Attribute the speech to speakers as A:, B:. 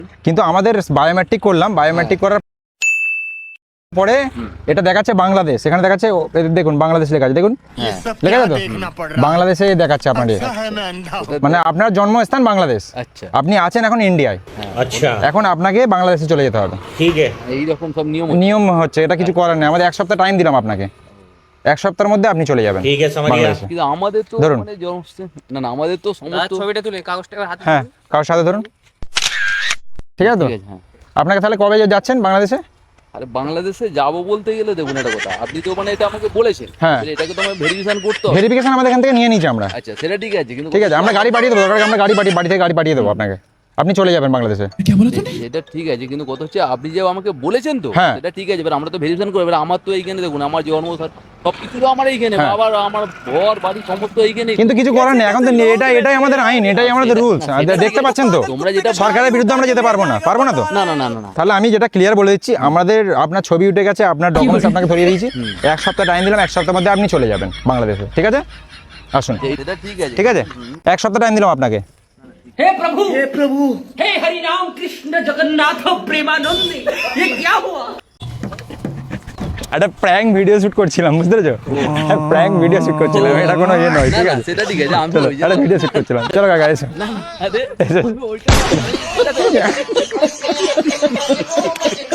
A: কিন্তু আমাদের বায়োমেট্রিক করলাম, বায়োমেট্রিক করার পরে এটা দেখাচ্ছে বাংলাদেশ, এখানে দেখাচ্ছে দেখুন বাংলাদেশ লেখা আছে, দেখুন লেখা আছে তো বাংলাদেশে দেখাচ্ছে আপনার, মানে আপনার জন্মস্থান বাংলাদেশ, আপনি আছেন এখন ইন্ডিয়ায়, আচ্ছা এখন আপনাকে বাংলাদেশে চলে যেতে হবে। ঠিক আছে, এইরকম সব নিয়ম হচ্ছে, এটা কিছু করার নেই। আমাদের 1 সপ্তাহ টাইম দিলাম আপনাকে, 1 সপ্তাহের মধ্যে আপনি চলে যাবেন। ঠিক আছে,
B: কিন্তু আমাদের তো মানে না না আমাদের তো সমস্ত
C: ছবিটা তুলে কাগজটা হাতে,
A: হ্যাঁ কাগজ সাথে ধরুন, ঠিক আছে তো। আপনাকে তাহলে কবে যাচ্ছেন বাংলাদেশে?
B: আরে বাংলাদেশে যাবো বলতে গেলে দেখুন একটা কথা, আপনি তো মানে এটা আমাকে বলেছেন,
A: হ্যাঁ
B: এটাকে তো আমার ভেরিফিকেশন করতে হবে।
A: ভেরিফিকেশন আমাদের এখান থেকে নিয়ে নিয়েছি আমরা।
B: আচ্ছা সেটা ঠিক আছে, কিন্তু
A: ঠিক আছে আমরা গাড়ি পাঠিয়ে দেবো, আমরা বাড়ি থেকে গাড়ি পাঠিয়ে দেবো আপনাকে, আপনি চলে যাবেন বাংলাদেশে।
B: সেটা ঠিক আছে, কিন্তু কথা হচ্ছে আপনি যে আমাকে বলেছেন তো সেটা ঠিক আছে, এবার আমরা তো ভেরিফিকেশন করবো। এবার আমার তো এইখানে দেখুন আমার জন্ম সবকিছু তো আমার এইখানে, আবার আমার ঘর বাড়ি সমস্ত এইখানে,
A: কিন্তু কিছু করার নেই এখন তো, এটাই আমাদের আইন, এটাই আমাদের রুলস, দেখতে পাচ্ছেন তো।
B: তোমরা যেটা
A: সরকারের বিরুদ্ধে আমরা যেতে পারবো না তো।
B: না না না না,
A: তাহলে আমি যেটা ক্লিয়ার বলে দিচ্ছি, আমাদের আপনার ছবি উঠে গেছে, আপনার ডকুমেন্টস আপনাকে ধরিয়ে দিয়েছি, 1 সপ্তাহ টাইম দিলাম, 1 সপ্তাহের মধ্যে আপনি চলে যাবেন বাংলাদেশে। ঠিক আছে আসুন,
B: এটা ঠিক আছে,
A: ঠিক আছে 1 সপ্তাহ টাইম দিলাম আপনাকে।
C: हे प्रभु हे हरि राम कृष्ण जगन्नाथ प्रेमानंद, ये क्या हुआ?
A: একটা প্র্যাঙ্ক ভিডিও শুট করছিলাম, বুঝতে পেরেছো? প্র্যাঙ্ক ভিডিও শুট করছিলাম, এটা কোনো ইয়ে নয়। ঠিক আছে
B: সেটা ঠিক আছে, আমি
A: একটা ভিডিও শুট করছিলাম। চলো কাকা এসো।
B: আরে